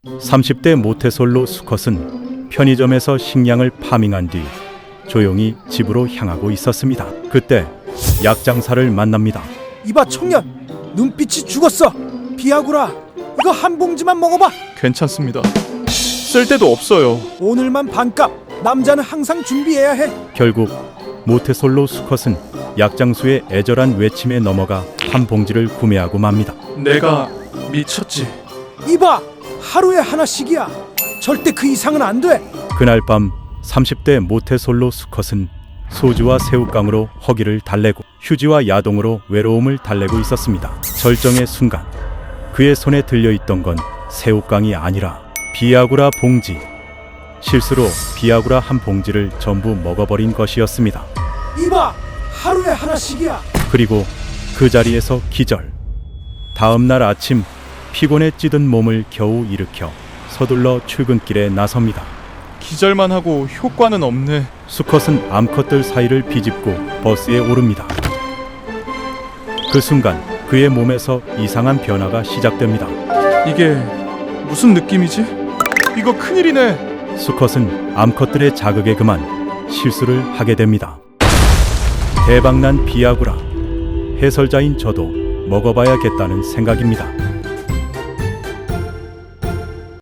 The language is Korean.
30대 모태솔로 수컷은 편의점에서 식량을 파밍한 뒤 조용히 집으로 향하고 있었습니다. 그때 약장사를 만납니다. 이봐 청년, 눈빛이 죽었어. 비아구라, 이거 한 봉지만 먹어봐. 괜찮습니다. 쓸 데도 없어요. 오늘만 반값. 남자는 항상 준비해야 해. 결국 모태솔로 수컷은 약장수의 애절한 외침에 넘어가 한 봉지를 구매하고 맙니다. 내가 미쳤지. 이봐, 하루에 하나씩이야. 절대 그 이상은 안 돼. 그날 밤 30대 모태솔로 수컷은 소주와 새우깡으로 허기를 달래고 휴지와 야동으로 외로움을 달래고 있었습니다. 절정의 순간 그의 손에 들려있던 건 새우깡이 아니라 비아구라 봉지. 실수로 비아구라 한 봉지를 전부 먹어버린 것이었습니다. 이봐, 하루에 하나씩이야. 그리고 그 자리에서 기절. 다음 날 아침 피곤에 찌든 몸을 겨우 일으켜 서둘러 출근길에 나섭니다. 기절만 하고 효과는 없네. 수컷은 암컷들 사이를 비집고 버스에 오릅니다. 그 순간 그의 몸에서 이상한 변화가 시작됩니다. 이게 무슨 느낌이지? 이거 큰일이네. 수컷은 암컷들의 자극에 그만 실수를 하게 됩니다. 대박난 비아구라. 해설자인 저도 먹어봐야겠다는 생각입니다.